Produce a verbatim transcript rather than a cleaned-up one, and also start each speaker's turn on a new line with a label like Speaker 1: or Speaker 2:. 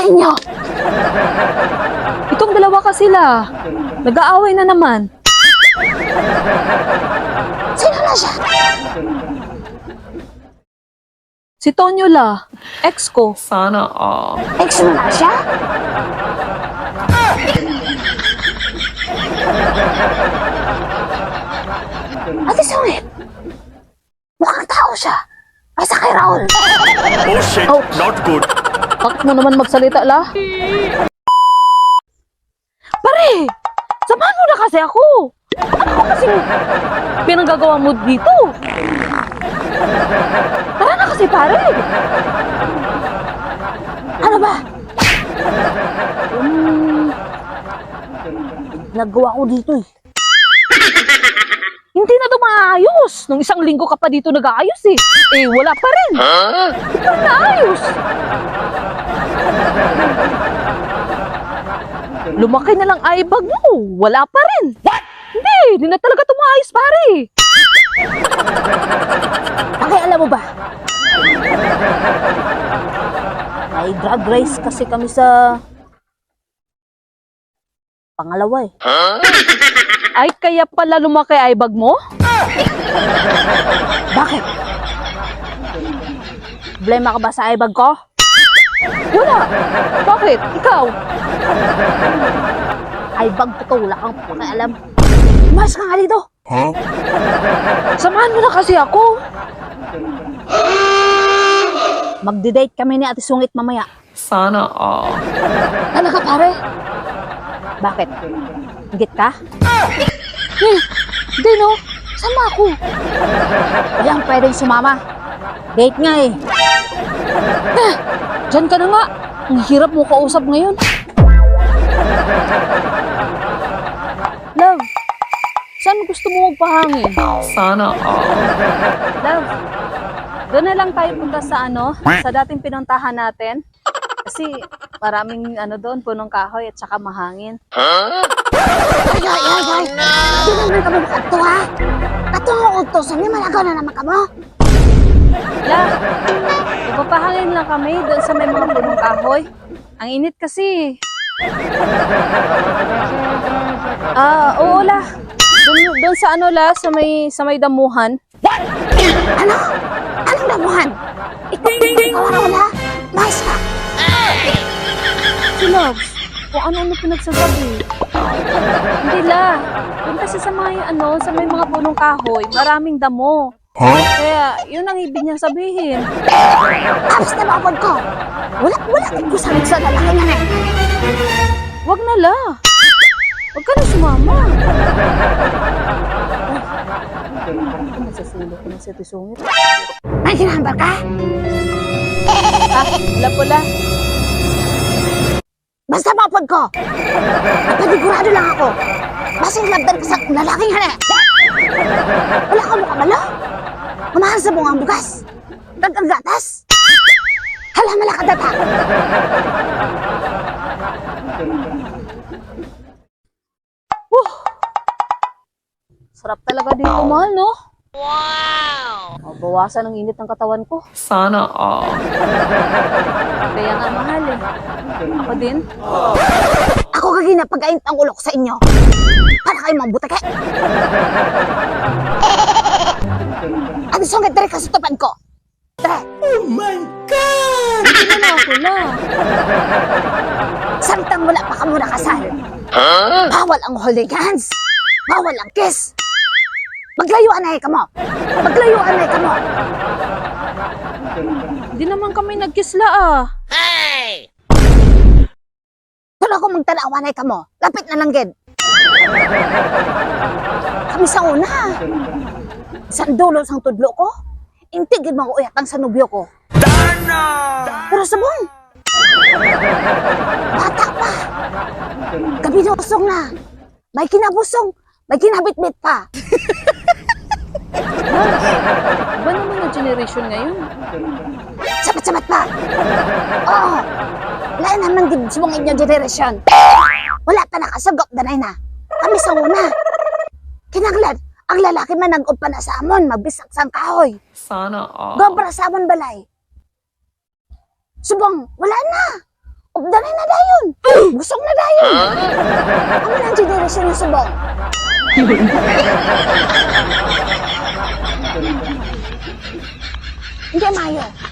Speaker 1: sa inyo?
Speaker 2: Itong dalawa ka sila. Nag-aaway na naman.
Speaker 1: Sino na siya?
Speaker 2: Si Tonyo la, ex ko.
Speaker 3: Sana all.
Speaker 1: Ex mo na siya? Ate Sungit, mukhang tao siya. Kaysa kay Raul.
Speaker 4: Oh shit,
Speaker 2: Ouch.
Speaker 4: not good.
Speaker 2: Bakit mo naman magsalita la? Pare! Samahan mo na kasi ako! Ano ko kasing pinanggagawa mo dito? Tara na kasi pare!
Speaker 1: Ano ba?
Speaker 2: Um, nagawa ko dito eh. Hindi na ito maayos. Nung isang linggo ka pa dito nag-aayos eh. Eh, wala pa rin. Hindi pa naayos. Lumaki na lang eyebag mo. Wala pa rin. What? Hindi, hindi na talaga ito maayos, pare.
Speaker 1: Okay, alam mo ba?
Speaker 2: May drag race kasi kami sa pangalawa eh. Ay, kaya pala lumaki eyebag mo?
Speaker 1: Bakit?
Speaker 2: Problema ka ba sa eyebag ko? Wala. Bakit? Ikaw? Eyebag ko to, wala kang pakialam.
Speaker 1: Mas ka nga dito.
Speaker 2: Samahan mo na kasi ako. Magdi-date kami ni Ate Sungit mamaya.
Speaker 3: Sana all.
Speaker 1: Ano ka pare?
Speaker 2: Bakit? Higit ka? Eh, hindi no. Sama ako.
Speaker 1: Walang pwedeng sumama.
Speaker 2: Date nga eh. Eh, dyan ka na nga. Ang hirap mo kausap ngayon. Love, saan gusto mo magpahangin?
Speaker 3: Sana all.
Speaker 2: Love, doon na lang tayo punta sa ano, sa dating pinuntahan natin. Kasi maraming ano doon, punong kahoy at saka mahangin.
Speaker 1: Ay, ay, ay, ay. Hindi naman kami makato ha. Katong utosan niya, malagaw na naman kamo.
Speaker 2: La, magpapahangin lang kami doon sa may mga punong kahoy. Ang init kasi. Ah, oo la. Doon, doon sa ano la, sa may, sa may damuhan.
Speaker 1: Ano? Anong damuhan? Ikaw, ikaw Raul ha? Mais ka.
Speaker 2: Si Loves, kung ano-ano pinagsasabi. Hindi la. Doon kasi sa mga ano, sa may mga punong kahoy, maraming damo. Kaya, yun ang ibig niya sabihin.
Speaker 1: Tapos na mapod ko. Wala, wala. Ikaw sa sa lalaki nga na.
Speaker 2: Wag na la. Wag ka na sumama. Ay, ano masasulo ko na si Ate Sungit?
Speaker 1: May hinahambar ka?
Speaker 2: Ah, wala po la.
Speaker 1: Basta mapod ko. Napadigurado lang ako. Basing labdan ka sa lalaking hana. Wala ka mukha malo. Kumahal sa bungang bugas. Dagang gatas. Hala malakad data.
Speaker 2: Whew. Sarap talaga dito, mahal, no? Wow! Mabawasan ang init ng katawan ko.
Speaker 3: Sana all.
Speaker 2: Kaya nga mahal eh. Ako din.
Speaker 1: Ako kagina pag-aint ang ulok sa inyo. Para kayo mga butake. Ano sungit dere ka sa tupan ko? Dere.
Speaker 2: Hindi na ako na.
Speaker 1: Samtang wala pa ka muna kasal. Bawal ang holding hands. Bawal ang kiss. Maglayuan na ka mo. Maglayuan na ka mo.
Speaker 2: Hindi naman kami nagkisla ah.
Speaker 1: Pero ako magtanawa na ka mo. Lapit na lang gid. Kami sa una. Sa dulo sang tudlo ko. Intigid mga uyatang sa nubyo ko. Pero sabong. Bata pa. Kabinusong na. May kinabusong. May kinabitbit pa.
Speaker 2: Iba naman ang generation ngayon.
Speaker 1: Sabat-sabat pa. Oo. Wala naman gid subong inyong generation. Wala pa nakasagop danay na. Kami sa una. Kinanglan, ang lalaki man nag pa na sa amon, mabisak sang kahoy.
Speaker 3: Sana all.
Speaker 1: Gobra sa amon balay. Subong, wala na. Danay na dayon. Busog na dayon. Amo nang generation yung subong. Hindi mayo.